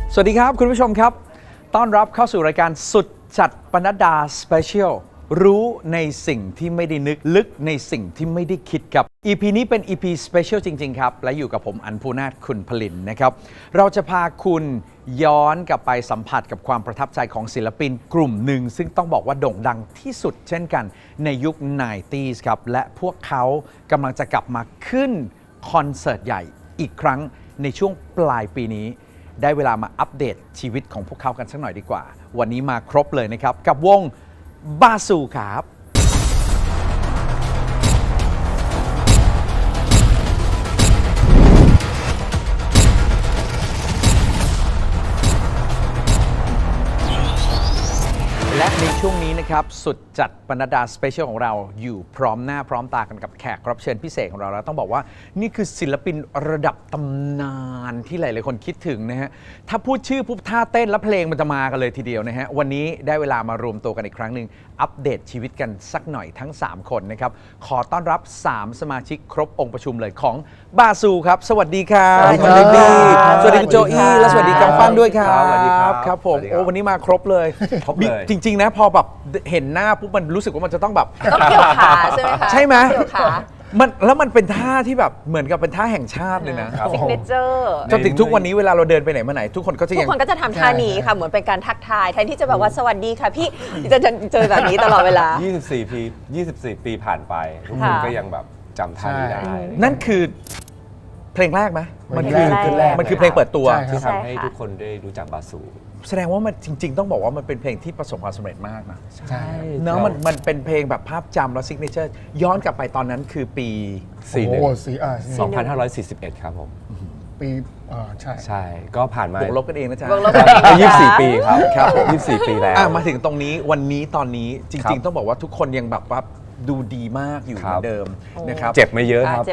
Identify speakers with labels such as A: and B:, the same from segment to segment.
A: สวัสดีครับคุณผู้ชมครับต้อนรับเข้าสู่รายการสุดจัดปนัดดาสเปเชียลรู้ในสิ่งที่ไม่ได้นึกลึกในสิ่งที่ไม่ได้คิดครับ EP นี้เป็น EP สเปเชียลจริงๆครับและอยู่กับผมอัญภูนาถคุณผลินนะครับเราจะพาคุณย้อนกลับไปสัมผัสกับความประทับใจของศิลปินกลุ่มหนึ่งซึ่งต้องบอกว่าโด่งดังที่สุดเช่นกันในยุค 90s ครับและพวกเขากำลังจะกลับมาขึ้นคอนเสิร์ตใหญ่อีกครั้งในช่วงปลายปีนี้ได้เวลามาอัปเดตชีวิตของพวกเขากันสักหน่อยดีกว่าวันนี้มาครบเลยนะครับกับวงบาซูครับและในช่วงนี้นะครับสุดจัดปนัดดาสเปเชียลของเราอยู่พร้อมหน้าพร้อมตากันกับแขกรับเชิญพิเศษของเราแล้วต้องบอกว่านี่คือศิลปินระดับตำนานที่หลายๆคนคิดถึงนะฮะถ้าพูดชื่อปุ๊บท่าเต้นและเพลงมันจะมากันเลยทีเดียวนะฮะวันนี้ได้เวลามารวมตัวกันอีกครั้งหนึ่งอัปเดตชีวิตกันสักหน่อยทั้ง3คนนะครับขอต้อนรับ3สมาชิกครบองค์ประชุมเลยของบาซูครับสวัสดีครับสวัสดีสวัสดีคุณโจอี้และสวัสดีกำปั้นด้วยครับสวัสดีครับครับผมโอ้วันนี้มาครบเลยจริงๆนะพอแบบเห็นหน้าปุ๊บมันรู้สึกว่ามันจะต้องแบบ
B: ต้องเกี่ยวขาใช่ไหมคะ
A: ใช่ไหม
B: เกี่ยวขา
A: แล้วมันเป็นท่าที่แบบเหมือนกับเป็นท่าแห่งชาติเลยนะ
B: ซิกเนเจอร์
A: จนถึงทุกวันนี้เวลาเราเดินไปไหนมาไหนทุกคนก็จะ
B: ทำท่านี้ค่ะเหมือนเป็นการทักทายแทนที่จะแบบว่าสวัสดีค่ะพี่จะเจอแบบนี้ตลอดเวลา
C: 24 ปีผ่านไปทุกคนก็ยังแบบจำท่านี้ได้
A: นั่นคือเพลงแรกไหมมันคือเพลงเปิดตัว
C: ที่ทำให้ทุกคนได้รู้จักบาซู
A: แสดงว่ามันจริงๆต้องบอกว่ามันเป็นเพลงที่ประสบความสำเร็จมากนะ
C: ใช่
A: เนาะมันเป็นเพลงแบบภาพจำแล้วซิกเนเจอร์ย้อนกลับไปตอนนั้นคือปี
C: 2541ครับผม
D: ปี
C: ใช่ก็ผ่านมา
A: บวกลบกันเองนะจ๊ะ
C: 24 ปีครับ24 ปีแล้ว
A: มาถึงตรงนี้วันนี้ตอนนี้จริงๆต้องบอกว่าทุกคนยังแบบว่าดูดีมากอยู่เหมือนเดิมนะครับ
C: เจ็บไม่เยอะครับ
B: เจ็บ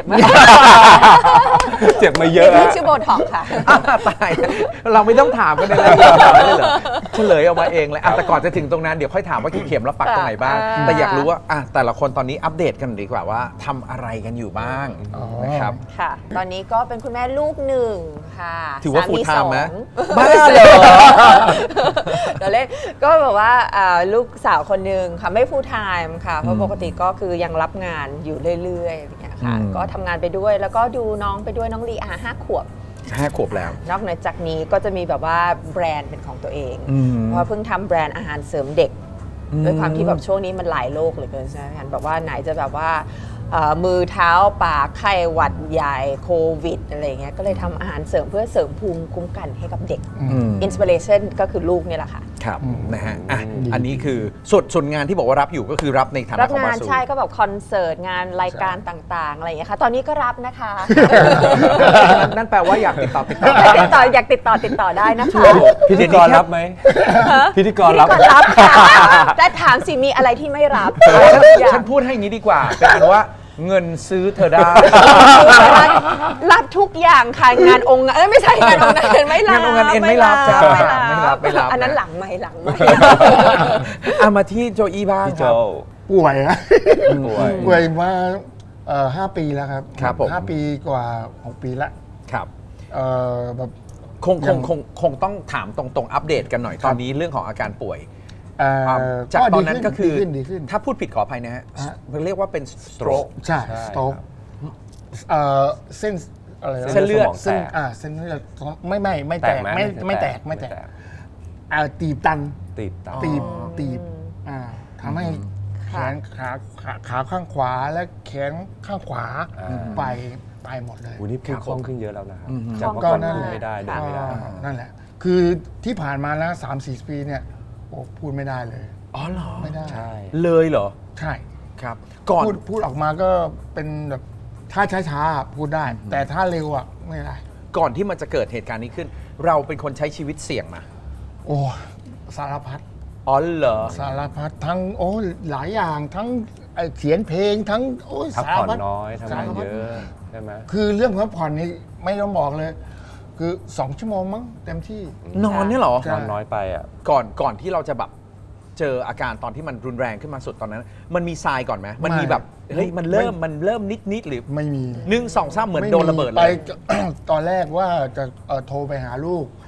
C: ไม่เยอะ
B: นี่ชื่อโบท็อกค่ะ
A: ตายเราไม่ต้องถามกันในรายการเลยเหรอเฉลยออกมาเองเลยแต่ก่อนจะถึงตรงนั้นเดี๋ยวค่อยถามว่ากี่เข็มแล้วปักตรงไหนบ้างแต่อยากรู้ว่าแต่ละคนตอนนี้อัปเดตกันดีกว่าว่าทำอะไรกันอยู่บ้างนะครับ
B: ค่ะตอนนี้ก็เป็นคุณแม่ลูกหนึ่งค่ะ
A: ถือว่าฟูลไทม์ไหม
B: บ้าเลยเดี๋ยวเล่นก็แบบว่าลูกสาวคนหนึ่งค่ะไม่ฟูลไทม์ค่ะเพราะปกติก็คือยังรับงานอยู่เรื่อยๆอย่างเงี้ยค่ะก็ทำงานไปด้วยแล้วก็ดูน้องไปด้วยน้องลี5 ขวบ
A: แล้ว
B: นอกจากนี้ก็จะมีแบบว่าแบรนด์เป็นของตัวเองเพราะเพิ่งทำแบรนด์อาหารเสริมเด็กด้วยความที่แบบช่วงนี้มันหลายโรคเหลือเกินใช่ไหมคะแบบว่าไหนจะแบบว่ามือเท้าปากไข้หวัดใหญ่โควิดอะไรเงี้ยก็เลยทำอาหารเสริมเพื่อเสริมภูมิคุ้มกันให้กับเด็กอินสปิเรชันก็คือลูกเนี่ยแหละค่ะ
A: ครับนะฮะอันนี้คือส่วนงานที่บอกว่ารับอยู่ก็คือรับในฐานะของบาซู
B: ใช่ก็แบบคอนเสิร์ตงานรายการต่างๆอะไรอย่างเงี้ยค่ะตอนนี้ก็รับนะคะ
A: นั่นแปลว่าอยากติดต่อ
B: อยากติดต่อได้นะคะ
C: พิธีกรรับไหมพิธีกรรับ
B: ค่ะได้ถามสิมีอะไรที่ไม่รับ
A: ฉันพูดให้อย่างนี้ดีกว่าเป็นอันว่าเงินซื้อเธอได้
B: รับทุกอย่างค่ะงานองค์ไม่ใช่งานองค์เอ็นไม่รับ
A: งานองค์เอ็นไม่รับจ้าไม่รับ
B: อันนั้นหลังไม่
A: มาที่โจอี้บ้างครับ
D: ป่วยมา5 ปีแล้วครับ5 ปีกว่า6 ปีแล้ว
A: ครับ
D: แบบ
A: คงต้องถามตรงๆอัปเดตกันหน่อยตอนนี้เรื่องของอาการป่วยจากตอนนั้นก็คือถ้าพูดผิดขออภัยนะฮะเรียกว่าเป็น stroke
D: ใช่ stroke เส้นอะไร
A: เส้นเลือด
D: เส้นเลือดไม่แตกตีบตันตีบทำให้แขนขาข้างขวาและแขนข้างขวาไปหมดเลย
C: วันนี้พูดคล่องขึ้นเยอะแล้วนะครับจากเมื่อก่อนพูดไม่ได้เดินไม่ได้
D: นั่นแหละคือที่ผ่านมานะ3-4 ปีเนี่ยพูดไม่ได้เลย
A: อ๋อเหรอ
D: ไม่ได้
A: เลยเหรอ
D: ใช่
A: ครับก่อน
D: พูดออกมาก็เป็นแบบถ้าช้าๆพูดได้แต่ถ้าเร็วไม่ได้
A: ก่อนที่มันจะเกิดเหตุการณ์นี้ขึ้นเราเป็นคนใช้ชีวิตเสี่ยงมา
D: โอ้สารพัด
A: อ๋อเหรอ
D: สารพัดทั้งหลายอย่างทั้งเขียนเพลงทั้ง
C: พักผ่อนน้อยทำงานเยอะใช่ไหม
D: คือเรื่องพักผ่อนนี่ไม่ต้องบอกเลยคือ2 ชั่วโมงมั้งเต็มที่
A: นอนเนี่ยหร
C: อนอนน้อยไป
A: ก่อนที่เราจะแบบเจออาการตอนที่มันรุนแรงขึ้นมาสุดตอนนั้นมันมีทรายก่อนไหมมันมีแบบเฮ้ยมันเริ่มนิดหรือ
D: ไม่มี
A: 1 2 3เหมือนโดนระเบิดเลย
D: ไปตอนแรกว่าจะโทรไปหาลูก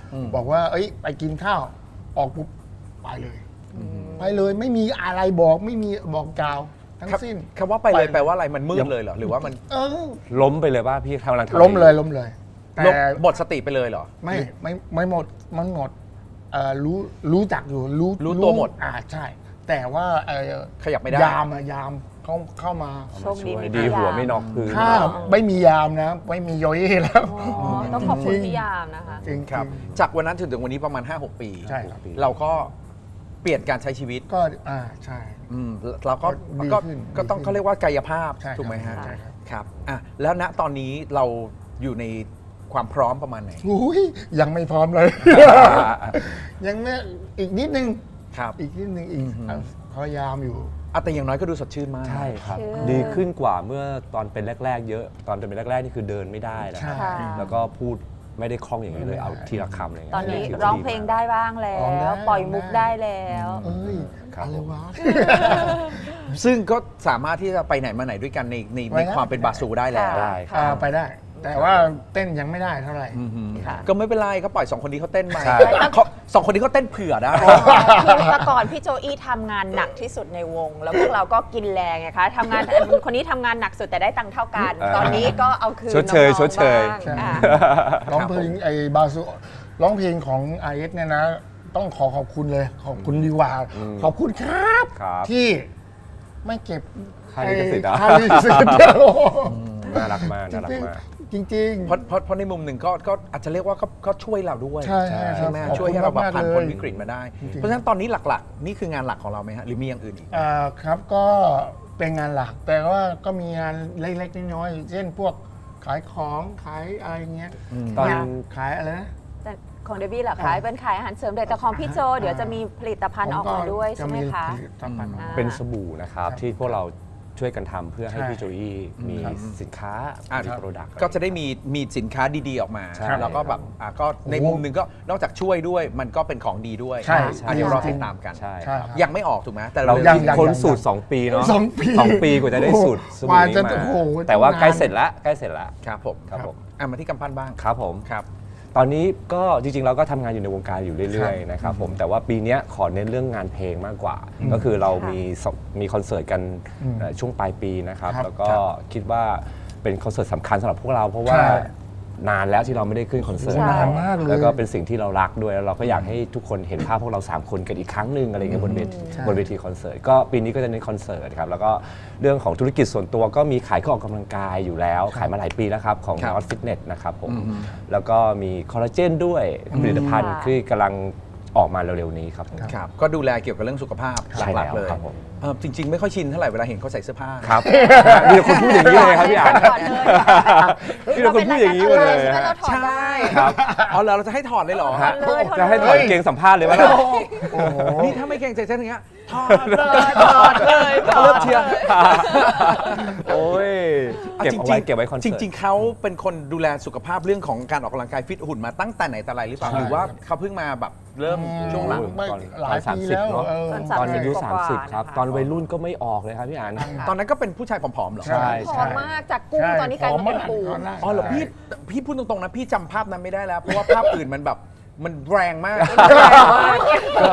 D: บอกว่า เอ้ยไปกินข้าวออกปุ๊บไปเลยไปเลยไม่มีอะไรบอกไม่มีบอกกล่าวทั้งสิ้น
A: คำว่าไปเลยแปลว่าอะไรมันมืดเลยเหรอหรือว่ามัน
D: เออ
C: ล้มไปเลยป่ะพี่กำลังทำ
D: ล้มเลยแต่
A: หมดสติไปเลยเหรอ
D: ไม่หมดมันหมดรู้จักอยู่
A: รู้ตัวหมด
D: ใช่ แต่ว่า
A: ขยับไม่ได้
D: ยามเข้ามา
B: โชคดี
C: ช่วย
B: มี
C: ดี
B: พี่
C: หัวย
B: าม
C: ไม่นอกพื้น
D: ถ้าไม่มียามนะ ไม่มีโยเย่แล้ว
B: อ๋อต้องขอบคุณพี่ยามนะคะ
D: จริง
A: ครับ จากวันนั้นถึงวันนี้ประมาณ 5-6 ปี
D: ใช่ครับ
A: เราก็เปลี่ยนการใช้ชีวิต
D: ก็ใช่
A: เราก็
D: ดี
A: ก็
D: ขึ้น
A: ก็ต้อง
D: ดีขึ้น
A: เขาเรียกว่ากายภาพ
D: ใช่ครับ
A: ถูกไหมฮะ
D: ใช่ครับ
A: ครับแล้วณตอนนี้เราอยู่ในความพร้อมประมาณไหน
D: อุ้ยยังไม่พร้อมเลย ยังไม่อีกนิดนึง
A: ครับ
D: อีกนิดนึงอีกพยายามอยู่
A: แต่อย่างน้อยก็ดูสดชื่นมาก
C: ใช่ครับ
B: เชื่อ
C: ดีขึ้นกว่าเมื่อตอนเป็นแรก ๆ เยอะ ตอนเป็นแรก ๆ นี่คือเดินไม่ได้นะครับ
D: ใช่
C: แล้วก็พูดไม่ได้คล่องอย่างนี้เลย เอาทีละคำอะไรอย่าง
B: ต
C: เงี้ย
B: อนนี้
C: ถืว่า
B: ร้อง
C: ดี
B: เพลง
C: มาก
B: ได้บ้างแล้
D: ร้องได้
B: ว ปล่อยมุกได้แล้ว
D: เอ้ย
C: ครับ
D: อะไรวะ
A: ซึ่งก็สามารถที่จะไปไหนมาไหนด้วยกันในความเป็นบาสูได้แล้ว
C: ได้ครับ
D: ไปได้ แต่ว่าเต้นยังไม่ได้เท่าไหร่
B: ค่ะ
A: ก็ไม่เป็นไรก็ปล่อย2 คนนี้เขาเต้นไป
C: ใช่
A: เขาสองคนนี้เขาเต้นเผื่อได้
B: คือแต่ก่อนพี่โจอี้ทำงานหนักที่สุดในวง แล้วพวกเราก็กินแรงไงคะทำงานคนนี้ทำงานหนักสุดแต่ได้ตังค์เท่ากัน ตอนนี้ก็เอาคืน
C: ชดเชย
B: น้องๆ
C: ชดเชย
B: บ้าง
D: ใช่
B: ค่ะ
D: ร้องเพลงไอ้บาซูร้องเพลงของ RS เนี่ยนะ ต้องขอบคุณเลย ขอบคุณดีกว่าขอบคุณครับ
C: ครับ
D: ที่ไม่เก็บ
C: ค่าลิขสิทธิ์อะ
D: ค่าลิขสิทธิ์เดียว
C: น่ารักมากน่ารักมาก
D: จริง
A: เพราะในมุมหนึ่งก็อาจจะเรียกว่าก็ช่วยเราด้วย
D: ใช่ครับ
A: ไหม
D: ขอบคุณ
A: ช่วยให้เราแบบ
D: มากๆ
A: ผ่านพ้น
D: เลย
A: วิกฤตมาได้
D: จริงๆ
A: เพราะฉะนั้นตอนนี้หลักๆ นี่คืองานหลักของเราไหมฮะหรือมีอย่างอื่นอีก
D: ครับก็เป็นงานหลัก แต่ว่าก็มีงานเล็กๆน้อยๆเช่นพวกขายของขายอะไรเงี้ย
C: ตอน
D: ขายอะไรนะ
B: แต่ของเดบี้เหรอคะเป็นขายอาหารเสริมแต่ของพี่โจเดี๋ยวจะมีผลิตภัณฑ์ออกมาด้วยใช่ไหมคะ
D: ผลิตภัณฑ์ออกมา
C: เป็นสบู่นะครับ
D: ครับ
C: ที่พวกเราช่วยกันทำเพื่อให้
D: ใช่
C: พี่โจอี้มี
D: ครับ
C: สินค้า
A: อ่ะ
C: มีโปรดักต์
A: ก็จะได้มีสินค้าดีๆออกมา
C: ใช่
A: แล้วก็แบบก็ในมุมหนึ่งก็นอกจากช่วยด้วยมันก็เป็นของดีด้วย
D: ใช่
A: เดี๋ยวรอติดตามกัน
C: ใช่
D: ใช่
C: ครับ
D: ครับ
A: ยังไม่ออกถูกไหมแต่
C: เรา
A: เร็วๆ
D: ยัง
A: นี้
C: ค้นสูตร 2 ปีเนาะ
D: 2 ปี
C: 2 ปีกว่าจะได้สูตรส
D: ก
C: บู่
D: ว่า
C: นี้
D: จะ
C: มา
D: โอ้โห
C: แต่ว่า
D: ต้องนาน
C: ใกล้เสร็จแล้วใกล้เสร็จแล้ว
A: ครับผม
C: ครับผม
A: มาที่กำปั้นบ้าง
C: ครับผม
A: ครับ
C: ตอนนี้ก็จริงๆเราก็ทำงานอยู่ในวงการอยู่เรื่อยๆนะครับผมแต่ว่าปีเนี้ยขอเน้นเรื่องงานเพลงมากกว่า ก็คือเรามีคอนเสิร์ตกันช่วงปลายปีนะครับ
D: ครับ
C: แล้วก็คิดว่าเป็นคอนเสิร์ตสำคัญสำหรับพวกเราเพราะว่า
D: ใช่
C: นานแล้วที่เราไม่ได้ขึ้นคอนเสิร์ต
B: ใช่
D: นานมากเลย
C: แล้วก็เป็นสิ่งที่เรารักด้วยแล้วเราก็อยากให้ทุกคนเห็นภาพพวกเรา3 คนกันอีกครั้งหนึ่งอะไรเงี้ยบนเวทีคอนเสิร์ตก็ปีนี้ก็จะเน้นคอนเสิร์ตครับแล้วก็เรื่องของธุรกิจส่วนตัวก็มีขายเครื่องออกกำลังกายอยู่แล้ว ขายมาหลายปีแล้วครับของ
A: ครับ
C: Not Fitness นะครับผมแล้วก็มีคอลลาเจนด้วยผลิตภัณฑ์
B: ค่ะ
C: ที่กำลังออกมาเร็วๆนี้ครับผม
A: ครับก็ดูแลเกี่ยวกับเรื่องสุขภาพ
C: ใช่
A: หลักๆ
C: แล้ว
A: เลย
C: ครับผม
A: จริง ๆ ไม่ค่อยชินเท่าไหร่เวลาเห็นเขาใส่เสื้อผ้า
C: ครับมีแต่คนพูดอย่างนี้เลยครับพี่อ่าน
B: ก่อนเลย
C: มีแต่คนพูดอย่างนี้หมดเลย
B: ใช่ไหมเราถอด
A: ใช่
B: ได้
C: ครับ
A: เอาแล้วเราจะให้ถอดเลยเหรอ
C: ฮะ
B: เลย
C: จะให้ถอดกางเกงสัมภาษณ์เลยว่า
D: โอ้โห
A: นี่ถ้าไม่เก่งใจเส้นอย่างเงี้ยถอดเลยถอดเลยเลิกเชียร์
C: โอ้ยเก็บเอาไว้เก็บไว้คอนเสิ
A: จ
C: ร์ต
A: ริง ๆเขาเป็นคนดูแลสุขภาพเรื่องของการออกกำลังกายฟิตหุ่นมาตั้งแต่ไหนแต่ไรหรือเปล่า
D: ใช่
A: หรือว่าเขาเพิ่งมาแบบเริ่มช่วงหลัง
D: ไม่
C: ตอน
D: หลายปีแล้ว
C: 30เนอะ
D: เออ
C: ตอนอายุ
B: กว่าๆ
C: 30 ครับ
B: นะคะ
C: ตอนวัยรุ่นก็ไม่ออกเลยครับพี่อ่าน
A: ตอนนั้นก็เป็นผู้ชายผอมๆเหรอ
D: ใช่
B: ผอมมากจากกุ้งตอนนี้กลายมาเป็นปู
D: ผอมมาก
A: อ๋อเหรอพี่พูดตรงๆนะพี่จำภาพนั้นไม่ได้แล้ว เพราะว่าภาพอื่นมันแบบมันแรงมาก
C: ก็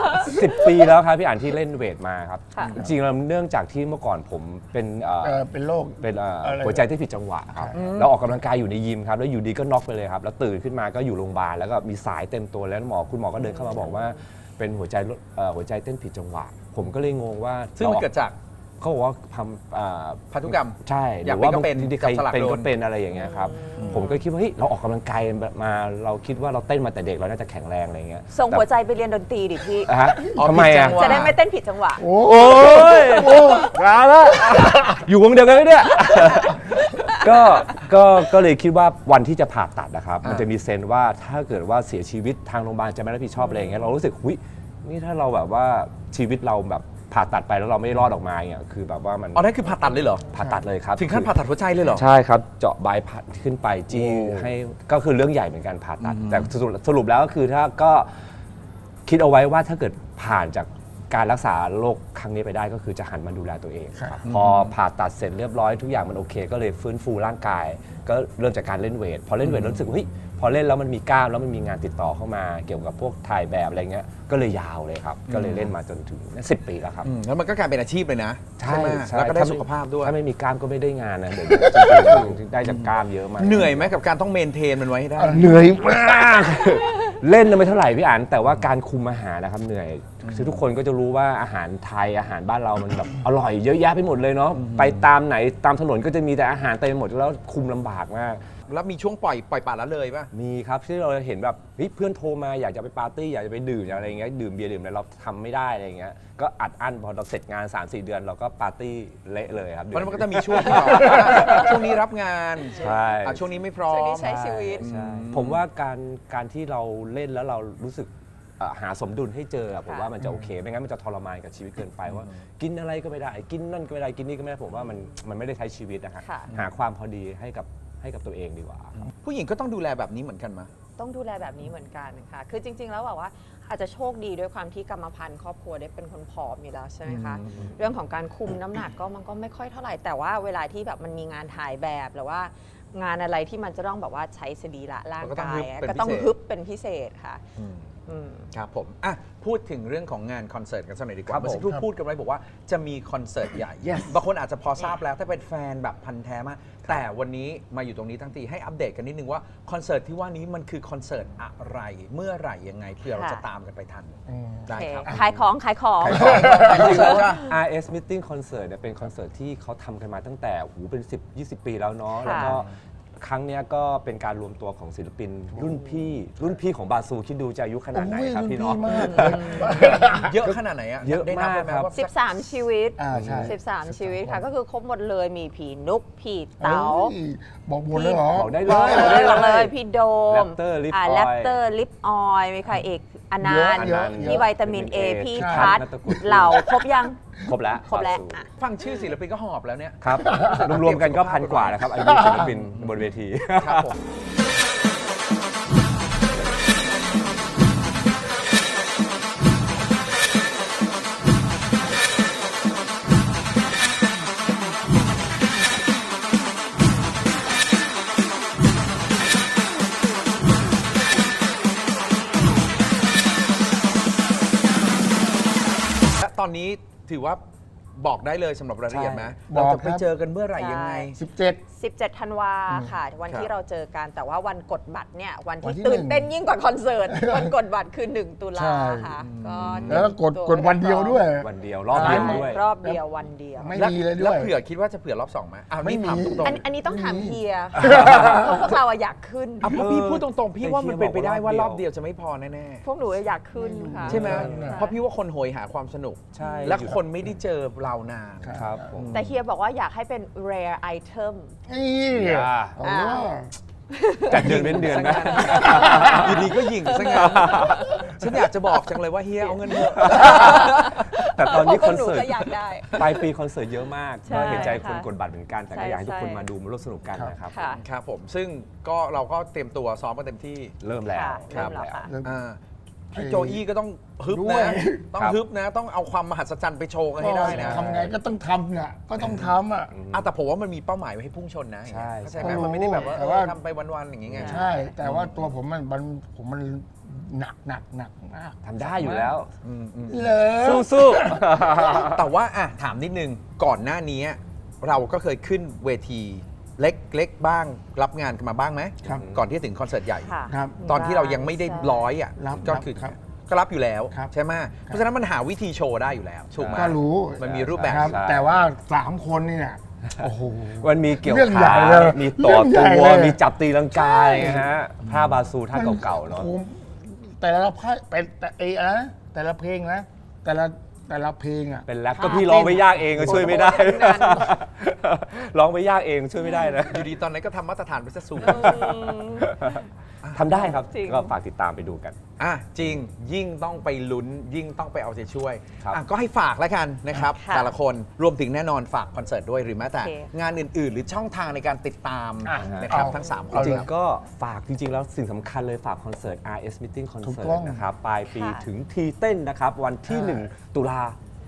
C: 10 ปีแล้วครับพี่อ่านที่เล่นเวทมาครับ
B: ค่ะ
C: จริงๆแล้วเนื่องจากที่เมื่อก่อนผมเป็น
D: เป็นโรค
C: เป็น
D: อะไร
C: หัวใจที่ผิดจังหวะครับแล้วออกกำลังกายอยู่ในยิมครับแล้วอยู่ดีก็น็อกไปเลยครับแล้วตื่นขึ้นมาก็อยู่โรงพยาบาลแล้วก็มีสายเต็มตัวแล้วคุณหมอก็เดินเข้ามาบอกว่าเป็นหัวใจเต้นผิดจังหวะ ผมก็เลยงงว่า
A: ซึ่งมันเกิดจาก
C: เขาบอกว่าท
A: พันธุกรรม
C: ใช่ห
A: อยาก
C: รือ
A: เป็น
C: ว่า
A: ก็เป็น
C: บางทีใคร
A: จับสลัก
C: เป็น
A: โด
C: ก็
A: น
C: เป็นอะไรอย่างเงี้ยครับผมก็คิดว่าเฮ้ยเราออกกำลังกายมาเราคิดว่าเราเต้นมาแต่เด็กเราน่าจะแข็งแรงอะไรเงี้ย
B: ส่งหัวใจไปเรียนดนตรีดิพี่
C: ฮะ
A: อ๋อ
C: ทำไม
A: ผิดจั
C: อ่ะ
A: งหว
B: จะได้ไม่เต้นผิดจังหวะ
C: โอ้ยมาแล้วอยู่วงเดียวกันไหมเนี่ย ก็เลยคิดว่าวันที่จะผ่าตัดนะครับ มันจะมีเซนส์ว่าถ้าเกิดว่าเสียชีวิตทางโรงพยาบาลจะไม่รับผิดชอบอะไรอย่างเงี้ยเรารู้สึกหุยนี่ถ้าเราแบบว่าชีวิตเราแบบผ่าตัดไปแล้วเราไม่รอดออกมาเนี่ยคือแบบว่ามัน
A: อ๋อนั่นคือผ่าตัดเลยเหรอ
C: ผ่าตัดเลยครับ
A: ถึงขั้นผ่าตัดหัวใจเลยเหรอ
C: ใช่ครับเจาะบายพัดขึ้นไปจี้ให้ก็คือเรื่องใหญ่เหมือนกันผ่าตัด แต่สรุปแล้วก็คือถ้าก็คิดเอาไว้ว่าถ้าเกิดผ่านจากการรักษาโรคครั้งนี้ไปได้ก็คือจะหันมาดูแลตัวเอง
D: ครับ
C: พอผ่าตัดเสร็จเรียบร้อยทุกอย่างมันโอเค ก็เลยฟื้นฟูร่างกาย ก็เริ่มจากการเล่นเวทพอเล่นเวทรู้สึกว่าเฮ้ยพอเล่นแล้วมันมีกล้ามแล้วมันมีงานติดต่อเข้ามาเกี่ยวกับพวกถ่ายแบบอะไรเงี้ยก็เลยยาวเลยครับก็เลยเล่นมาจนถึง10 ปีแล้วครับ
A: แล้วมันก็กลายเป็นอาชีพเลยนะ
C: ใช่
A: ไหม
C: ใช่
A: แล้วก็ได้
C: ถ้าไม่
A: สุขภาพด้วย
C: ถ้าไม่มีกล้ามก็ไม่ได้งานนะเดี๋ยวจริงๆได้จากกล้ามเยอะมาก
A: เหนื่อยไหมกับการต้องเมนเทนมันไว้ให้ได้
C: เหนื่อยมาก เล่นไม่เท่าไหร่พี่อันแต่ว่าการคุมอาหารนะครับเหนื่อยคือทุกคนก็จะรู้ว่าอาหารไทยอาหารบ้านเรามันแบบอร่อยเยอะแยะไปหมดเลยเนาะไปตามไหนตามถนนก็จะมีแต่อาหารเต็มไปหมดแล้วคุมลำบากมาก
A: แล้วมีช่วงปล่อยปละเลยป่ะ
C: มีครับที่เราเห็นแบบเฮ้ยเพื่อนโทรมาอยากจะไปปาร์ตี้อยากจะไปดื่มอะไรอย่างเงี้ยดื่มเบียร์ดื่มอะไรเราทำไม่ได้อะไรอย่างเงี้ยก็อัดอั้นพอเราเสร็จงาน 3-4 เดือนเราก็ปาร์ตี้เละเลยครับ
A: เพราะมันก็จะมีช่วงที่แบบช่วงนี้รับงาน
C: ใช่
A: ช่วงนี้ไม่พร้อ
B: ช่วง
A: ม
B: นี้ใช้ชีวิต
C: ใช่ผมว่าการที่เราเล่นแล้วเรารู้สึกหาสมดุลให้เจอผมว่ามันจะโอเคไม่งั้นมันจะทรมานกับชีวิตเกินไปว่ากินอะไรก็ไม่ได้กินนั่นก็ไม่ได้กินนี่ก็ไม่ได้ผมว่ามันไม่ได้ใช้ชีวิตนะฮะ
B: ค่ะ
C: หาความพอดีให้กับตัวเองดีกว่า
A: ผู้หญิงก็ต้องดูแลแบบนี้เหมือนกันมั้ย
B: ต้องดูแลแบบนี้เหมือนกันค่ะ คือจริง ๆ แล้วแบบว่าอาจจะโชคดีด้วยความที่กรรมพันธุ์ครอบครัวได้เป็นคนผอมอยู่แล้วใช่ไหมคะ เรื่องของการคุมน้ำหนักก็มันก็ไม่ค่อยเท่าไหร่ แต่ว่าเวลาที่แบบมันมีงานถ่ายแบบหรือว่างานอะไรที่มันจะต้องแบบว่าใช้สรีระร่างกายก็ต้องฮึบเป็นพิเศษค่ะ
A: ครับผมอ่ะพูดถึงเรื่องของงานคอนเสิร์ตกันสักหน่อยดีก
C: ครั
A: ว่า
C: บ
A: เมื่อสักครู่พูดกันไว้บอกว่าจะมีคอนเสิร์ตใหญ่ บางคนอาจจะพอทราบแล้วถ้าเป็นแฟนแบบพันธุ์แท้มากแต่วันนี้มาอยู่ตรงนี้ทั้งทีให้อัปเดตกันนิดนึงว่าคอนเสิร์ตที่ว่านี้มันคือคอนเสิร์ตอะไรเมื่อไหร่ยังไงเพื่อเราจะตามกันไปทันได้ครับ
B: ขายของ
C: จริงๆแล้ว RS Meeting Concert เนี่ยเป็นคอนเสิร์ตที่เขาทำกันมาตั้งแต่เป็น10-20 ปีแล้วเนาะ
B: ค่ะ
C: แล้วก็ครั้งเนี้ยก็เป็นการรวมตัวของศิลปินรุ่นพี่ของบาซูคิดดูจะอายุขนาดไหนครับพี่เนาะ
D: มาก
A: เยอะขนาดไหนอะ
C: เยอะ
A: ได้นับได้ไห
C: มากครับ
A: ว่า
B: 13 ชีวิต
D: ใช่
B: 13 ชีวิตค่ะ ก็คือครบหมดเลยมีผีนุกผีเต๋า
D: บอกหมดเลยเหรอ
C: บอกได้เล
B: บอก
C: ย
B: เลยพี่โดม
C: Raptor Lip Oil
B: แรปเตอร์ลิปออยมีใครเอกอนันต์
D: เยอะ
B: พี่วิตามิน A พี่
D: ใช่
B: ทัศน์
C: นัตตะกุล
B: เหล่าครบยัง
C: ครบแล้ว
B: ครบแล้ว
C: บาซู
B: อ่ะ
A: ฟังชื่อศิลปินก็หอบแล้วเนี่ย
C: ครับ รวมๆกันก็พันกว่าแล้วครับอายุศิลปินบนเวที
A: ครับผม และตอนนี้ถือว่าบอกได้เลยสำหรับรายละเอียดไหม
D: ใช่
A: เรา
D: บอก
A: จะ
D: ค
A: ไป
D: รับ
A: เจอกันเมื่อไหร่ยังไง
D: 17
B: 17 ธันวาค่ะ วัน
A: ครับ
B: ที่เราเจอกันแต่ว่าวันกดบัตรเนี่ยวัน
D: วัน
B: ที่
D: ที่
B: ตื่น
D: หนึ่ง
B: เต้นยิ่งกว่าคอนเสิร์ต วันกดบัตรคือ 1 ตุลา
D: ใช่
B: ค่ะก็
D: แล้วก็กดวันเดียวด้วย
C: วันเดียวรอบเดียวด้วย
B: รอบเดียววันเดียว
D: ไม่
A: แล้ว
D: มีเลยด้
A: แล้ว
D: วย
A: เผื่อคิดว่าจะเผื่อรอบสองไหมไม่
D: ไม่
A: ถาม
D: มี
A: ตรง
B: อันนี้ต้องถามเฮียเพราะพวกเราอะอยากขึ้น
A: ๆเพราะพี่พูดตรงๆ พี่ว่ามันเป็นไปได้ว่ารอบ
C: เดียว
A: เดียวจะไม่พอแน่
B: พวกหนูอยากขึ้นค่ะ
A: ๆ ใช่ไหม
B: ค่ะ
A: เพราะพี่ว่าคนโหยหาความสนุก
C: ใช่
A: และคนไม่ได้เจอเรานาน
C: ครับผม
B: แต่เฮียบอกว่าอยากให้เป็น rare item
D: นี่
C: อ่า
D: เอาว่า
C: จัดเดือนเว้นเดือนนะ
A: อยู่ดีก็ยิงซะงั้นฉันอยากจะบอกจังเลยว่าเฮียเอาเงินเถอะ
C: แต่ตอนนี้
B: พวก
C: คอน
B: หนู
C: เสิร์ต
B: ก็อยากได้
C: ปลายปีคอนเสิร์ตเยอะมาก
B: ใช่
C: ก็เห็นใจคน
B: ค่ะ
C: กดบัตรเหมือนกัน แต่
B: ใช่
C: ก็อยากให้ทุกคน
B: ใช่
C: มาดูมาร่วมสนุกกันนะครับ
B: ค่ะ
A: ครับผมซึ่งก็เราก็เตรียมตัวซ้อมกันเต็มที่
C: เริ่มแล้ว
B: ค่ะ
C: ครั
B: เริ่
C: บ
B: มแล้วค่ะ
A: อ่าพี่โจอี้ก็ต้องฮึบ
D: ด้วย
A: นะต้อง
C: ครับ
A: ฮึบนะ ต้องเอาความมหัศจรรย์ไปโชว์กันให้ได้นะ
D: ทำไงก็ต้องทำน่ะก็ต้องทำอ่ะ
A: แต่ผมว่ามันมีเป้าหมายไว้ให้พุ่งชนนะ
C: ใช่
A: เข้าใจไหม
D: ใช่
A: มันไม่ได้แบบว่า
D: แต่ว่า
A: ทำไปวันๆอย่างเงี้ย
D: ใช่ แต่ว่าตัวผมมันหนักมาก
C: ทำได้อยู่แล้ว
D: เลย
C: สู้
A: แต่ว่าอ่ะถามนิดนึงก่อนหน้านี้เราก็เคยขึ้นเวทีเล็กๆบ้างรับงานกันมาบ้างไหม
D: ครับ
A: ก่อนที่จะถึงคอนเสิร์ตใหญ่
B: ค่ะ
D: ครับ
A: ตอนที่เรายังไม่ได้
B: ใช่
A: ร้อยอ่ะ
D: รับ
A: ก็คือ
D: ครับ
A: ก็รับอยู่แล้ว
D: ครับ
A: ใช่ไหมเพราะฉะนั้นมันหาวิธีโชว์ได้อยู่แล้วถูกไหม
D: ก็รู้
A: มันมีรูปแบบ
D: ครับ
C: ใช่
D: แต่ว่า3 คนนี่เนี่ยโอ้โห
C: มันมีเกี่ยว
D: เรื่องใหญ่
C: ขา
D: เลย
C: มีต่อ
D: เรื่องใหญ่
C: ตัว
D: เลย
C: มีจับตีลังกาอะไรอย่างเงี้ยฮะผ้าบาซูท่าเก่าๆเนาะ
D: โอ้โหแต่ละเพลงแต่นะแต่ละเพลงนะแต่ละเพลงอ่ะ
C: เป็นแรปก็พี่ร้องไม่ยากเองก็ช่วยไม่ได้
B: โอ้โหทั้งนั้น
C: ร้องไม่ยากเองช่วยไม่ได้นะ
A: อยู่ดีตอนนั้นก็ทำมาตรฐานไปซะสูง
C: ทำได้ครับ
B: จริง
C: ก็ฝากติดตามไปดูกัน
A: อ่ะจริงยิ่งต้องไปลุ้น ยิ่งต้องไปเอาใจช่วย
C: ครับ
A: อ่ะก็ให้ฝากแล้วกันนะครับ
B: ค่ะ
A: แต่ละคนรวมถึงแน่นอนฝากคอนเสิร์ตด้วยหรือแม้แต่
B: โอเค
A: งานอื่น ๆ หรือช่องทางในการติดตาม
D: อ่ะ
A: นะครับ
D: เอา
A: ทั้ง3ค
C: จ
A: น
C: ริง
A: ครับ
C: ๆก็ฝากจริงๆแล้วสิ่งสำคัญเลยฝากคอนเสิร์ต RS Meeting
D: ถูก
C: Concert
D: ต้อง
C: นะครับปลายปี
B: ค่ะ
C: ถึงทีเต้นนะครับ วันที่
D: ใช่
C: 1 ตุลา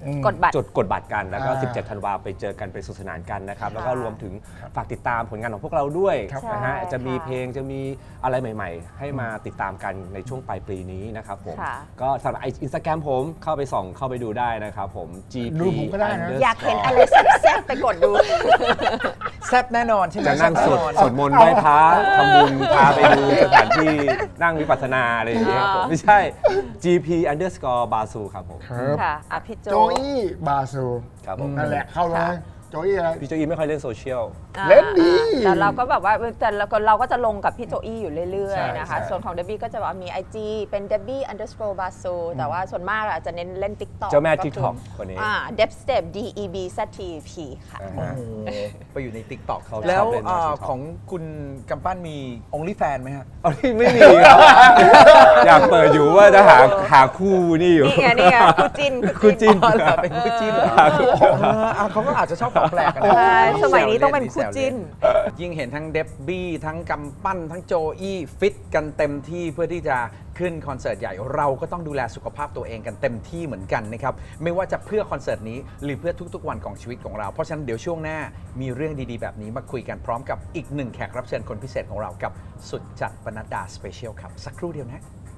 B: กดบัตร
C: จดกดบัตรกันแล้วก็
D: อ่า
C: 17 ธันวาไปเจอกันไปสนุกสนานกันนะครับแล้วก็รวมถึงฝากติดตามผลงานของพวกเราด้วย
D: ครับ
C: นะฮะ
B: ใช่
C: จะมี
B: ค่ะ
C: เพลงจะมีอะไรใหม่ๆ ให้มาติดตามกันในช่วงปลายปีนี้นะครับผม
B: ค่ะ
C: ก็สำหรับอินสตาแกรมผมเข้าไปส่องเข้าไปดูได้นะครับผม GP
D: ดูผมก็ได้นะ
B: อยากเห็นอะไรแซ่บๆไปกดดู
A: แซ่บแน่นอนใช่ไหม
C: จะนั่ง
A: แซ่
C: ส
A: บ
C: วด
A: แน่นอน
C: สวดมนต์ไหว้พระทำบุญพาไปดูสถานที่นั่งวิปัสสนาอะไรอย่างเงี้ยครับผมไม่ใช่ GP_Basu ครับผม
D: ครับ
B: ค่ะอ่ะพี่โจ
D: โจอี้บาซู
C: ครับผม
D: นั่นแหละเข้าเลยโจอี้อะไร
C: พี่โจอีไม่ค่อยเล่นโซเชียล
D: เล่นดี
B: แต่เราก็แบบว่าแต่เราก็จะลงกับพี่โจอี้อยู่เรื่อย
C: ใช่
B: ๆนะคะ
C: ใช่
B: ส่วนของเดบบี้ก็จะว่ามี IG เป็น Debbie_Basu แต่ว่าส่วนมากอาจจะเน้นเล่น TikTok
C: เจ้าแม่
B: ก็คือ
C: TikTok คนนี้
B: Debstep DEBZTP ค่ะ
C: อ่า
A: โอ้
C: ฮะ
A: โหไปอยู่ใน TikTok
C: เขาชอบ
A: แล้ว
C: เล่นมาก TikTok
A: ของคุณกำปั้นมี OnlyFans ไหมฮะ
C: เอาที่ไม่มีครับ อยากเปิดอยู่ว่าจะหาคู่นี่อยู่
B: นี่ไงคู่จิ้น
C: คู่จิ้น
A: อ๋อเหรอเป็นคู่จิ้นเหรอเขาก็อาจจะชอบของแปลกกันนะ
B: ใช่สมัยนี้ต้องเป็นคู่จิ้น
A: ยิ่งเห็นทั้งเดบบี้ทั้งกำปั้นทั้งโจอี้ฟิตกันเต็มที่เพื่อที่จะขึ้นคอนเสิร์ตใหญ่เราก็ต้องดูแลสุขภาพตัวเองกันเต็มที่เหมือนกันนะครับไม่ว่าจะเพื่อคอนเสิร์ตนี้หรือเพื่อทุกๆวันของชีวิตของเราเพราะฉะนั้นเดี๋ยวช่วงหน้ามีเรื่องดีๆแบบนี้มาคุยกันพร้อมกับอีกหนึ่งแขกรับเชิญคนพิเศษของเรากับสุดจัดปนัดดาสเปเชียลครับสักครู่เดียวนะ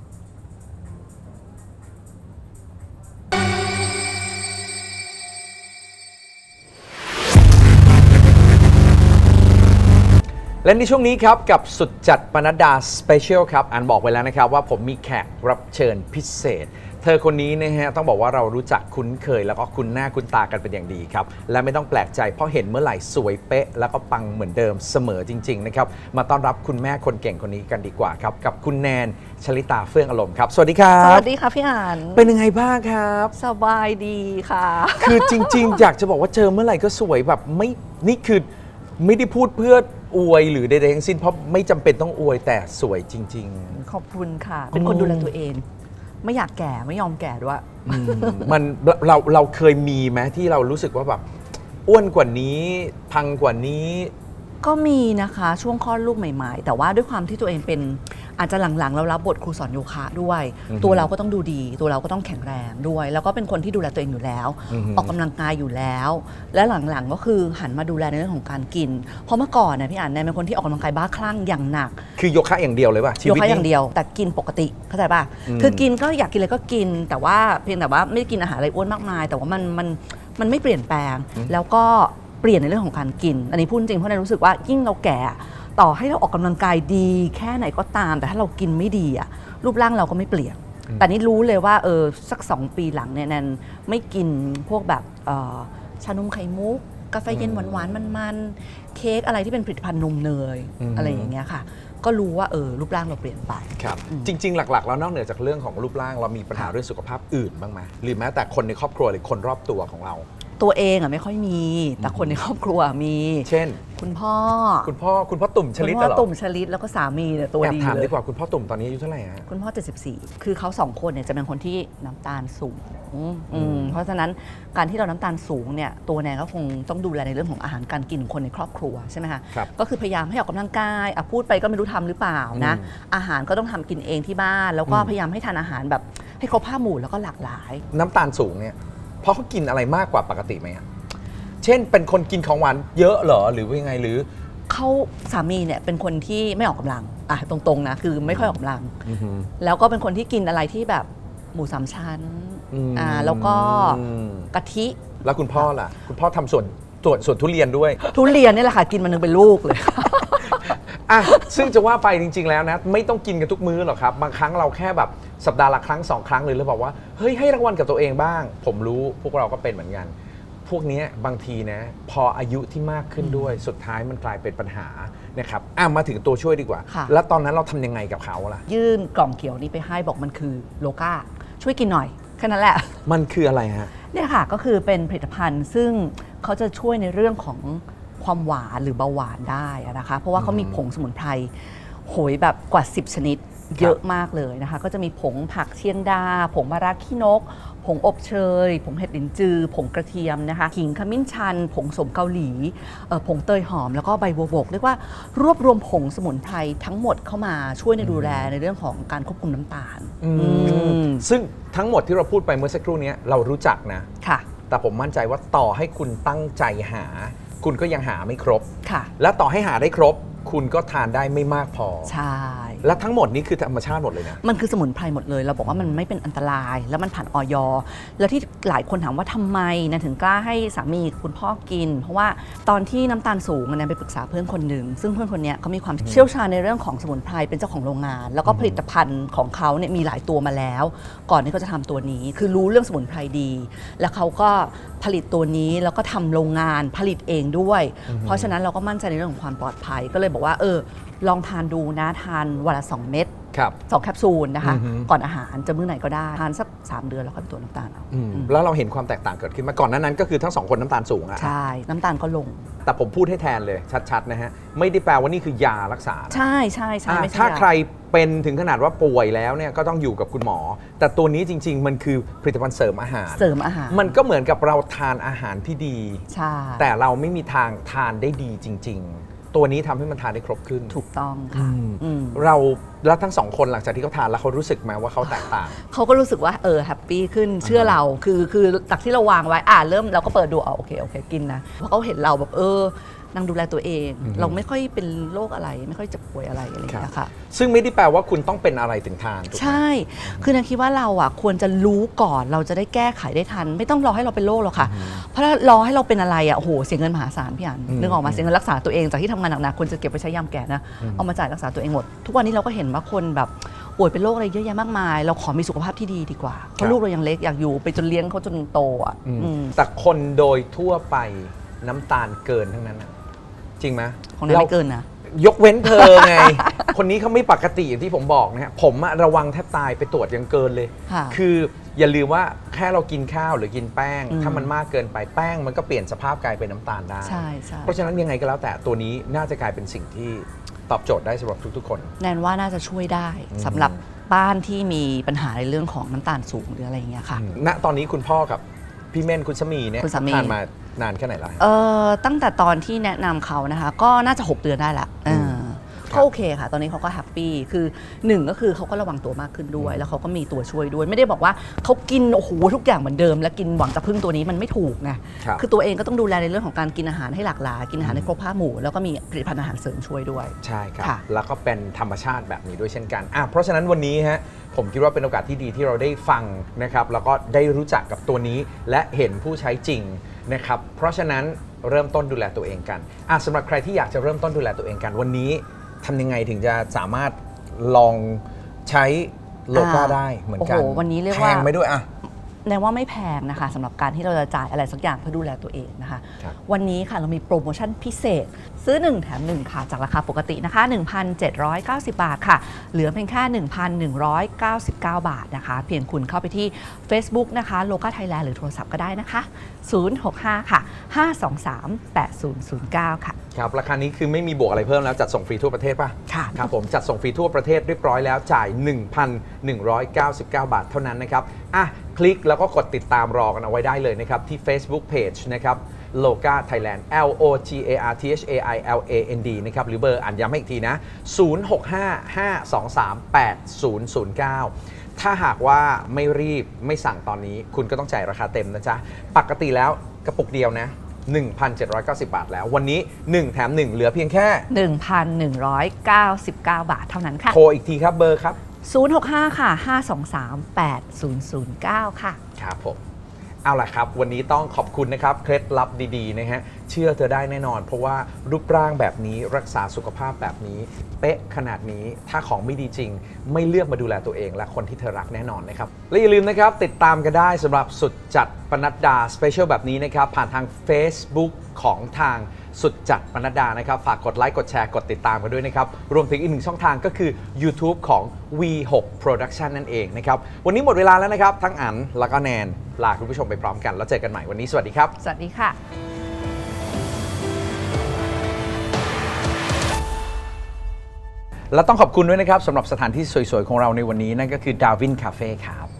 A: และในช่วงนี้ครับกับสุดจัดปนัดดาสเปเชียลครับอันบอกไว้แล้วนะครับว่าผมมีแขกรับเชิญพิเศษ เธอคนนี้นะฮะต้องบอกว่าเรารู้จักคุ้นเคยแล้วก็คุ้นหน้าคุ้นตากันเป็นอย่างดีครับและไม่ต้องแปลกใจเพราะเห็นเมื่อไหร่สวยเป๊ะแล้วก็ปังเหมือนเดิมเสมอจริงๆนะครับมาต้อนรับคุณแม่คนเก่งคนนี้กันดีกว่าครับกับคุณแนนชลิตาเฟื่องอารมณ์ครับสวัสดีครั
E: ส
A: บ
E: วัสดีค่ะพี่อ่าน
A: เป็นยังไงบ้างครับ
E: สบายดีค่ะ
A: คือจริงๆ อยากจะบอกว่าเจอเมื่อไหร่ก็สวยแบบไม่นี่คือไม่ได้พูดเพื่ออวยหรือใดๆทั้งสิ้นเพราะไม่จำเป็นต้องอวยแต่สวยจริง
E: ขอบคุณค่ะ เป็นคนดูแลตัวเอง ไม่อยากแก่ไม่ยอมแก่ด้วย
A: ๆ มันเราเคยมีไหมที่เรารู้สึกว่าแบบอ้วนกว่านี้พังกว่านี้
E: ก็มีนะคะช่วงคลอดลูกใหม่ๆ แต่ว่าด้วยความที่ตัวเองเป็นอาจจะหลังๆเรารับบทครูสอนโยคะด้วย ตัวเราก็ต้องดูดี ตัวเราก็ต้องแข็งแรงด้วย แล้วก็เป็นคนที่ดูแลตัวเองอยู่แล้ว ออกกำลังกายอยู่แล้ว และหลังๆก็คือหันมาดูแลในเรื่องของการกิน เพราะเมื่อก่อนเนี่ยพี่อ่านเนี่ยเป็นคนที่ออกกำลังกายบ้าคลั่งอย่างหนัก
A: คือโยคะอย่างเดียวเลยป่ะชี
E: โย
A: วิต
E: คะ
A: นี้
E: อย่างเดียวแต่กินปกติเข้าใจป่ะคือกินก็อยากกินอะไรก็กิน แต่ว่าเพียงแต่ว่าไม่ได้กินอาหารอะไรอ้วนมากมาย แต่ว่ามันไม่เปลี่ยนแปลง แล้วก็เปลี่ยนในเรื่องของการกิน อันนี้พูดจริงเพราะในรู้สึกว่ายิ่งเราแก่ต่อให้เราออกกำลังกายดีแค่ไหนก็ตาม แต่ถ้าเรากินไม่ดีอะรูปร่างเราก็ไม่เปลี่ยน แต่นี่รู้เลยว่าสัก 2 ปีหลังเนี่ยแนนไม่กินพวกแบบชานมไข่มุกกาแฟเย็นหวานๆมันๆเค้กอะไรที่เป็นผลิตภัณฑ์นมเนยอะไรอย่างเงี้ยค่ะ ก็รู้ว่ารูปร่างเราเปลี่ยนไป
A: ครับจริง ๆ หลักๆ แล้วนอกเหนือจากเรื่องของรูปร่างเรามีปัญหาเรื่องสุขภาพอื่นบ้างไหมหรือแม้แต่คนในครอบครัวหรือคนรอบตัวของเรา
E: ตัวเองไม่ค่อยมี แต่คนในครอบครัวมี
A: เช่น
E: คุณพ่อ
A: คุณพ่อตุ่มชลิต
E: คุณพ่อ
A: เหรอ
E: ตุ่มชลิตแล้วก็สามีเนี่ยตัว
A: แอบ
E: ดี
A: ถาม
E: เล
A: ดี
E: ย
A: กว่าคุณพ่อตุ่มตอนนี้อายุเท่าไหร่ฮะ
E: คุณพ่อ 74 คือเขาสองคนเนี่ยจะเป็นคนที่น้ำตาลสูงเพราะฉะนั้นการที่เราน้ำตาลสูงเนี่ยตัวแนนก็คงต้องดูแลในเรื่องของอาหารการกินของคนในครอบครัวใช่ไหมคะ
A: ครับ
E: ก็คือพยายามให้ออกกำลังกายพูดไปก็ไม่รู้ทำหรือเปล่านะอาหารก็ต้องทำกินเองที่บ้าน แล้วก็พยายามให้ทานอาหารแบบให้ครบ5 หมู่แล้วก็หลากหลาย
A: น้ำตาลสูงเนี่ยเพราะเขากินอะไรมากกว่าปกติไหมอะเช่นเป็นคนกินของหวานเยอะเหรอหรือว่ายังไงหรือ
E: เขาสามีเนี่ยเป็นคนที่ไม่ออกกำลังตรงๆนะคือไม่ค่อยออกกำลัง แล้วก็เป็นคนที่กินอะไรที่แบบหมู3 ชั้นแล้วก็กะทิ
A: แล้วคุณพ่อล่ะ คุณพ่อทำส่วนทุเรียนด้วย
E: ทุเรียนนี่แหละค่ะกินมันนึงเป็นลูกเลย
A: อ่ะซึ่งจะว่าไปจริง ๆ แล้วนะไม่ต้องกินกันทุกมื้อหรอกครับบางครั้งเราแค่แบบสัปดาห์ละครั้ง2 ครั้งเลยแล้วบอกว่าเฮ้ยให้รางวัลกับตัวเองบ้าง ผมรู้พวกเราก็เป็นเหมือนกัน พวกเนี้ยบางทีนะพออายุที่มากขึ้นด้วยสุดท้ายมันกลายเป็นปัญหานะครับมาถึงตัวช่วยดีกว่า
E: ค่ะ
A: แล้วตอนนั้นเราทำยังไงกับเขาล่ะ
E: ยื่นกล่องเขียวนี้ไปให้บอกมันคือโลก้าช่วยกินหน่อยแค่นั้นแหละ
A: มันคืออะไรฮะ
E: เนี่ยค่ะก็คือเป็นผลิตภัณฑ์ซึ่งเขาจะช่วยในเรื่องของความหวานหรือเบาหวานได้นะคะเพราะว่าเขามีผงสมุนไพรโหยแบบกว่า 10 ชนิดเยอะมากเลยนะคะก็จะมีผงผักเชียงดาผงมะระขี้นกผงอบเชยผงเห็ดลิ้นจือผงกระเทียมนะคะขิงขมิ้นชันผงสมเกาหลีผงเตยหอมแล้วก็ใบบัวบกเรียกว่ารวบรวมผงสมุนไพรทั้งหมดเข้ามาช่วยในดูแลในเรื่องของการควบคุมน้ำตาล
A: ซึ่งทั้งหมดที่เราพูดไปเมื่อสักครู่นี้เรารู้จักนะ
E: ค่ะ
A: แต่ผมมั่นใจว่าต่อให้คุณตั้งใจหา คุณก็ยังหาไม่ครบ
E: ค่ะ
A: และต่อให้หาได้ครบ คุณก็ทานได้ไม่มากพอ
E: ใช่
A: และทั้งหมดนี้คือธรรมชาติหมดเลยนะ
E: มันคือสมุนไพรหมดเลย เราบอกว่ามันไม่เป็นอันตราย แล้วมันผ่านออยแล้วที่หลายคนถามว่าทำไมนะถึงกล้าให้สามีคุณพ่อกิน เพราะว่าตอนที่น้ำตาลสูงนะไปปรึกษาเพื่อนคนหนึ่งซึ่งเพื่อนคนนี้เขามีความเชี่ยวชาญในเรื่องของสมุนไพรเป็นเจ้าของโรงงาน แล้วก็ผลิตภัณฑ์ของเขาเนี่ยมีหลายตัวมาแล้ว ก่อนที่เขาจะทำตัวนี้ คือรู้เรื่องสมุนไพรดี แล้วเขาก็ผลิตตัวนี้แล้วก็ทำโรงงานผลิตเองด้วย เพราะฉะนั้นเราก็มั่นใจในเรื่องของความปลอดภัยก็เลยบอกว่าลองทานดูนะทานวันละ2 เม็ด
A: ครับ
E: 2 แคปซูลนะคะ
A: อือฮึ
E: ก่อนอาหารจะมื้อไหนก็ได้ทานสัก3 เดือนแล้วค่อยไปตรวจน้ำตาลเอา
A: แล้วเราเห็นความแตกต่างเกิดขึ้นมาก่อนหน้านั้นก็คือทั้งสองคนน้ำตาลสูงอะ
E: ใช่ น้ำตาลก็ลง
A: แต่ผมพูดให้แทนเลยชัดๆนะฮะไม่ได้แปลว่านี่คือยารักษานะ
E: ใช่ใช่ใช่
A: อ่ะ
E: ไม่ใช่
A: ถ้าใครเป็นถึงขนาดว่าป่วยแล้วเนี่ยก็ต้องอยู่กับคุณหมอ แต่ตัวนี้จริง ๆ มันคือผลิตภัณฑ์เสริมอาหาร
E: เสริมอาหาร
A: มันก็เหมือนกับเราทานอาหารที่ดี
E: ใช่
A: แต่เราไม่มีทางทานได้ดีจริง ๆ ตัวนี้ทำให้มันทานได้ครบขึ้น
E: ถูกต้องค่ะอืม
A: เราแล้วทั้งสองคนหลังจากที่เขาทานแล้วเขารู้สึกไหมว่าเขาแตกต่าง
E: เขาก็รู้สึกว่าแฮปปี้ขึ้นเชื่อเราคือจากที่เราวางไว้เริ่มเราก็เปิดดูโอเคกินนะเพราะเขาเห็นเราแบบนางดูแลตัวเอง เราไม่ค่อยเป็นโรคอะไรไม่ค่อยเจ็บป่วยอะไรอะไรอย่างเงี้ยค่ะ
A: ซึ่งไม่ได้แปลว่าคุณต้องเป็นอะไรถึงทานถูกไหม
E: ใช่ คือนางคิดว่าเราควรจะรู้ก่อนเราจะได้แก้ไขได้ทัน ไม่ต้องรอให้เราเป็นโรคหรอกค่ะ เพราะถ้ารอให้เราเป็นอะไรโอ้โหเสียเงินมหาศาลพี่อันนึกออกมาเสียเงินรักษาตัวเองจากที่ทำงานหนักๆควรจะเก็บไปใช้ยามแก่นะเอามาจ่ายรักษาตัวเองหมดทุกวันนี้เราก็เห็นว่าคนแบบป่วยเป็นโรคอะไรเยอะแยะมากมาย เราขอมีสุขภาพที่ดีดีกว่าเพราะลูกเรายังเล็กอยากอยู่ไปจนเลี้ยงเขาจนโต
A: แต่คนโดยทั่วไปน้ำตาลเกินทั้งนั้นนะจริงไหม
E: ของนั้นไม่เกินนะ
A: ยกเว้นเธอไง คนนี้เขาไม่ปกติอย่างที่ผมบอกนะฮะผมอะระวังแทบตายไปตรวจยังเกินเลย
E: ค่ะ
A: คืออย่าลืมว่าแค่เรากินข้าวหรือกินแป้ง ถ้ามันมากเกินไปแป้งมันก็เปลี่ยนสภาพกลายเป็นน้ำตาลได้
E: ใช่ใช่
A: เพราะฉะนั้นยังไงก็แล้วแต่ตัวนี้น่าจะกลายเป็นสิ่งที่ตอบโจทย์ได้สำหรับทุกๆคน
E: แนนว่าน่าจะช่วยได้สำหรับบ้านที่มีปัญหาในเรื่องของน้ำตาลสูงหรืออะไรอย่างเงี้ยค่ะ
A: ณตอนนี้คุณพ่อกับพี่เม่นคุณสามีเนี่ย
E: คุณสามี
A: ทานมานานแค่ไหนแล้ว
E: ตั้งแต่ตอนที่แนะนำเขานะคะ ก็น่าจะ 6 เดือนได้ละก็โอเคค่ะ ตอนนี้เขาก็แฮปปี้คือ1ก็คือเขาก็ระวังตัวมากขึ้นด้วย แล้วเขาก็มีตัวช่วยด้วย ไม่ได้บอกว่าเขากินโอ้โหทุกอย่างเหมือนเดิม แล้วกินหวังจะพึ่งตัวนี้มันไม่ถูกไง
A: ครับ
E: คือตัวเองก็ต้องดูแลในเรื่องของการกินอาหารให้หลากหลายกินอาหารให้ครบ5 หมู่แล้วก็มีผลิตภัณฑ์อาหารเสริมช่วยด้วย
A: ใช่ครับ
E: ค่ะ
A: แล้วก็เป็นธรรมชาติแบบนี้ด้วยเช่นกันเพราะฉะนั้นวันนี้ฮะผมคิดว่าเป็นโอกาสที่ดีที่เราได้ฟังนะครับแล้วก็ได้รู้จักกับตัวนี้และเห็นผู้ใช้จริงนะครับเพราะฉะนั้นเริ่มต้นดูแลตัวเองกันสำหรับใครที่อยากจะเริ่มต้นดูแลตัวเองกันวันนี้ทำยังไงถึงจะสามารถลองใช้โลก้าได้เหมือนกัน
E: โอ้โหวันนี้เรียกว่า
A: แพงไหมด้วย
E: แนนว่าไม่แพงนะคะสำหรับการที่เราจะจ่ายอะไรสักอย่างเพื่อดูแลตัวเองนะคะ
A: ครับ
E: วันนี้ค่ะเรามีโปรโมชั่นพิเศษ ซื้อ 1 แถม 1 ค่ะ จากราคาปกตินะคะ 1,790 บาทค่ะ เหลือเพียงแค่ 1,199 บาทนะคะ เพียงคุณเข้าไปที่ Facebook นะคะโลก้าไทยแลนด์หรือโทรศัพท์ก็ได้นะคะ 065 ค่ะ 523 8009 ค่ะ
A: ครับราคานี้คือไม่มีบวกอะไรเพิ่มแล้วจัดส่งฟรีทั่วประเทศป่ะ
E: ค่ะ
A: ครับผมจัดส่งฟรีทั่วประเทศเรียบร้อยแล้วจ่าย 1,199 บาทเท่านั้นนะครับคลิกแล้วก็กดติดตามรอกันเอาไว้ได้เลยนะครับที่ Facebook Page นะครับ Loga Thailand LOGARTHAILAND นะครับหรือเบอร์อ่านย้ำให้อีกทีนะ 0655238009 ถ้าหากว่าไม่รีบไม่สั่งตอนนี้คุณก็ต้องจ่ายราคาเต็มนะจ๊ะปกติแล้วกระปุกเดียวนะ 1,790 บาทแล้ววันนี้ 1 แถม 1 เหลือเพียงแค่
E: 1,199 บาทเท่านั้นค่ะ
A: โทรอีกทีครับเบอร์ครับ
E: 065 ค่ะ 523 8009 ค่ะ
A: ครับผมเอาล่ะครับวันนี้ต้องขอบคุณนะครับเคล็ดลับดีๆนะฮะเชื่อเธอได้แน่นอน เพราะว่ารูปร่างแบบนี้รักษาสุขภาพแบบนี้เป๊ะขนาดนี้ถ้าของไม่ดีจริง ไม่เลือกมาดูแลตัวเองและคนที่เธอรักแน่นอนนะครับและอย่าลืมนะครับติดตามกันได้สำหรับสุดจัดปนัดดาสเปเชียลแบบนี้นะครับผ่านทาง Facebook ของทางสุดจัดปนัดดานะครับฝากกดไลค์กดแชร์กดติดตามกันด้วยนะครับรวมถึงอีกหนึ่งช่องทางก็คือ YouTube ของ V6 Production นั่นเองนะครับวันนี้หมดเวลาแล้วนะครับทั้งอันแล้วก็แนนลาคุณผู้ชมไปพร้อมกันแล้วเจอกันใหม่วันนี้สวัสดีครับ
E: สวัสดีค่ะ
A: และต้องขอบคุณด้วยนะครับสำหรับสถานที่สวยๆของเราในวันนี้นั่นก็คือดาวินคาเฟ่ครับ